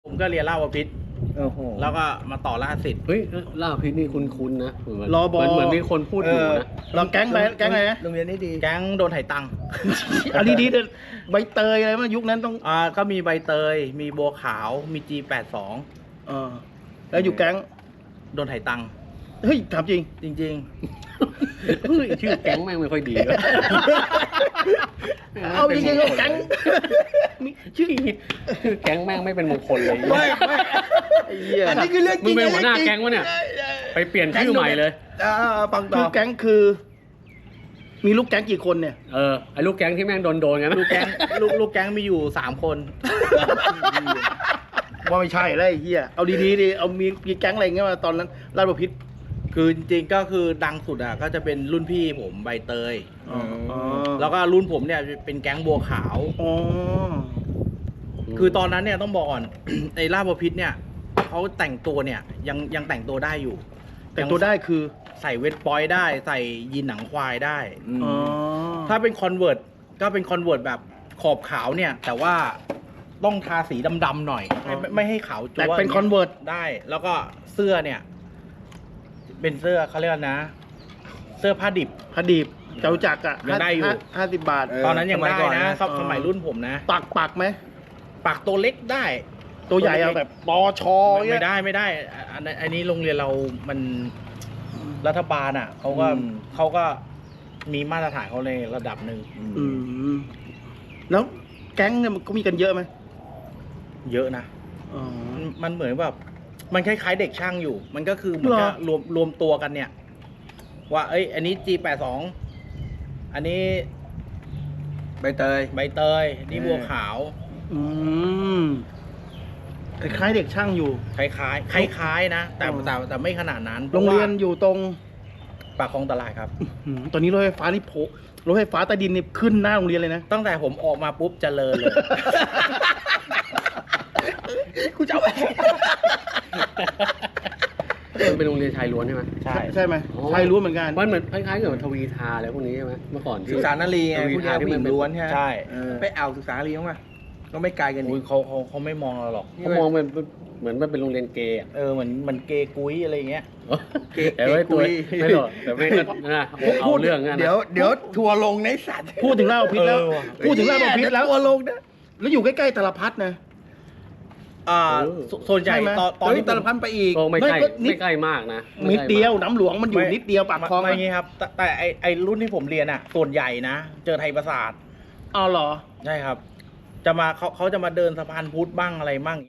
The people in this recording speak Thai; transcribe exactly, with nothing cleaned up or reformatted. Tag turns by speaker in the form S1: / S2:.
S1: ผมก็เรียนราชบพิตร
S2: โอ้โห
S1: แล้วก็มาต่อราชสิทธิ์
S3: เฮ้ยล่าพิษนี่คุ้นๆนะเหมือน
S2: รอบอ
S3: เหมือนเหมือนมีคนพูดอยู่นะ
S2: เราแก๊งไปแก๊งอะไรนะ
S4: โรงเรียนนี้ดี
S1: แก๊งโดนไถ่ตังค์
S2: อันนี้ดีเลยใบเตยอะไรมายุคนั้นต้อง
S1: อ่าก็มีใบเตย มีบัวขาว มี จี แปดสิบสอง
S2: เออแล้วอยู่แก๊ง
S1: โดนไถ่ตังค์
S2: เฮ้ยถามจริง
S1: จริง
S3: เฮ้ยชื่อแก๊งแม่งไม่ค่อยดีเลย
S2: เอาจริงๆเอาแก๊งมีชื่อ
S3: ชื่อแก๊งแม่งไม่เป็นมงคลเลย
S2: ไม่ไม่ไอ้เหี้ย
S4: อันนี้คือเรื่องจ
S3: มึ
S4: ริ
S3: ง
S4: ง
S3: เป็นหัวหน้าแก๊งวะเนี่ยไปเปลี่ยนชื่อใหม่เลย
S4: อ่าฟังต่
S2: คือ อแก๊งคือ มีลูกแก๊งกี่คนเนี่ย
S3: เออไอ้ลูกแก๊งที่แม่งโดนโดนๆกัน
S1: ๆ ลูกแก๊งลูกลูกแก๊งมีอยู่สามคน
S2: ว่าไม่ใช่แล้วไอ้เหี้ยเอาดีๆดิเอามีมีแก๊งอะไรเงี้ยมาตอนนั้นราชบุพิตร
S1: คือจริงๆก็คือดังสุดอ่ะก็จะเป็นรุ่นพี่ผมใบเตย
S2: อ๋อ
S1: แล้วก็รุ่นผมเนี่ยเป็นแก๊งบัวขาว
S2: อ๋อ
S1: คือตอนนั้นเนี่ยต้องบอกก่อน ในราชบพิตรเนี่ยเขาแต่งตัวเนี่ยยังยังแต่งตัวได้อยู่
S2: แต่งตัวได้คือ
S1: ใส่เวทปอยได้ ใส่ยีนหนังควายได้
S2: อ๋อ
S1: ถ้าเป็นคอนเวิร์ตก็เป็นคอนเวิร์ตแบบขอบขาวเนี่ย แต่ว่าต้องทาสีดำๆหน่อย ไม่ไม่ไม่ให้ขาวจั๊ว
S2: แต่เป็นคอนเวิร์ต
S1: ได้ แล้วก็เสื้อเนี่ย เป็นเสื้อเขาเรียกว่านะ เสื้อผ้าดิบ
S2: พดีบเจ้าจักรอ่ะ
S1: ยังได้อยู่
S2: ห้าห้าสิบบาท
S1: ตอนนั้นยัง
S4: สมัย
S1: ได้
S4: ก่อน
S1: นะ
S4: นะ
S1: ครับ
S2: อ๋อ
S1: สมัยรุ่นผมนะ
S2: ปักปักไหม
S1: ปากตัวเล็กได้
S2: ตัวใหญ่เอาแบบปอชอ
S1: ไม่
S2: เงี้
S1: ไม่
S2: ย
S1: ได้ไม่ได้อันนี้อันนี้โรงเรียนเรามันรัฐบาลอ่ะเขาก็
S4: อืม
S1: เขาก็มีมาตรฐานเขาในระดับหนึ่ง
S2: อืมแล้วแก๊งเนี่ยมันก็มีกันเยอะไหม
S1: เยอะนะ
S2: อ๋อ
S1: มันมันเหมือนแบบมันคล้ายๆเด็กช่างอยู่ มันก็คือเหมือน
S2: เหรอ
S1: กับรวมรวมตัวกันเนี่ย ว่าเอ้ย อันนี้ จี แปดสิบสอง อันนี้
S4: ใบเตย
S1: ใบเตยนี่บัวขาว
S2: อืมคล้ายๆเด็กช่างอยู่
S1: คล้ายๆคล้ายๆนะแต่
S2: อ๋อ
S1: แต่แต่ไม่ขนาดนั้น
S2: โรงเรียน
S1: พาะว่า
S2: อยู่ตรง
S1: ปากคลองตลาดครับ
S2: อืมตอนนี้รถไฟฟ้านี่โผล่รถไฟฟ้าใต้ดินนี่ขึ้นหน้าโรงเรียนเลยนะ
S1: ตั้งแต่ผมออกมาปุ๊บเจริญเลย
S4: กูจะเอาไป
S3: มันเป็นโรงเรียนชายล้วนใช่ไหม
S1: ใช่
S2: ใช่ไหม
S3: อ๋อ
S2: ชายล้วนเหมือนกัน
S3: มันเหมือนคล้ายๆกับทวีทาอะไรพวกนี้ใช่ไหมเมื่อก่อนที่
S4: ศึกษานารีไง
S3: ทวี
S4: ผู้ชา
S3: ทาย ที่
S4: ผู้ห
S3: มั
S4: ญิ
S3: น
S4: ง
S3: เป็น
S4: ล้วนใช่ไหม
S1: ใช่
S4: เออไปเอาศึกษานารีมั้งป่ะก็ไม่ไกลกันดิ
S1: อุ๊ยเขาเขาเขาไม่มองเราหรอก
S3: เขามองมันเหมือนมันเป็นโรงเรียนเกย์อะ
S1: เออเหมือนเหมันเกย์กุ้ยอะไรเงี้ย
S4: เก๋
S3: แต่ไม่ตัว
S4: เก๋กุย
S3: ไม่หรอกแต่ไม่ก็นะเอาเรื่องงั้นนะ
S4: เดี๋ยวเดี๋ยวทัวร์ลงในสัตว์
S2: พูดถึงราชบุพิตรแล้ว
S1: เออว่ะ
S2: พูดถึงราชบุพิตรแล้ว
S4: ทัวร์ลงนะ
S2: แล้วอยู่ใกล้ๆตลพัดนะ
S1: อ่า
S3: เออ
S1: สส่วนใหญ่
S2: ใช่ไหม
S1: ตอนต
S4: ต
S1: อ
S4: อน น
S1: ที่
S4: นี้
S1: ผ
S4: ตา
S1: ม
S4: ลพันไปอีก
S3: โอ้ไม่ใกล้
S2: ไม่ก็นิด
S3: ไม่ใกล้มากนะไ
S2: นิดเดียว
S3: ใกล้มาก
S2: น้ำหลวงมันอยู่นิดเดียวปากคลอง
S1: ไม่อย่างงี้ครับ แต่แต่ไอไอรุ่นที่ผมเรียนอ่ะ ส่วนใหญ่นะ เจอไทยประสาท
S2: อ๋อเหรอ
S1: ใช่ครับ จะมาเขาเขาจะมาเดินสะพานพุทธบ้างอะไรบ้าง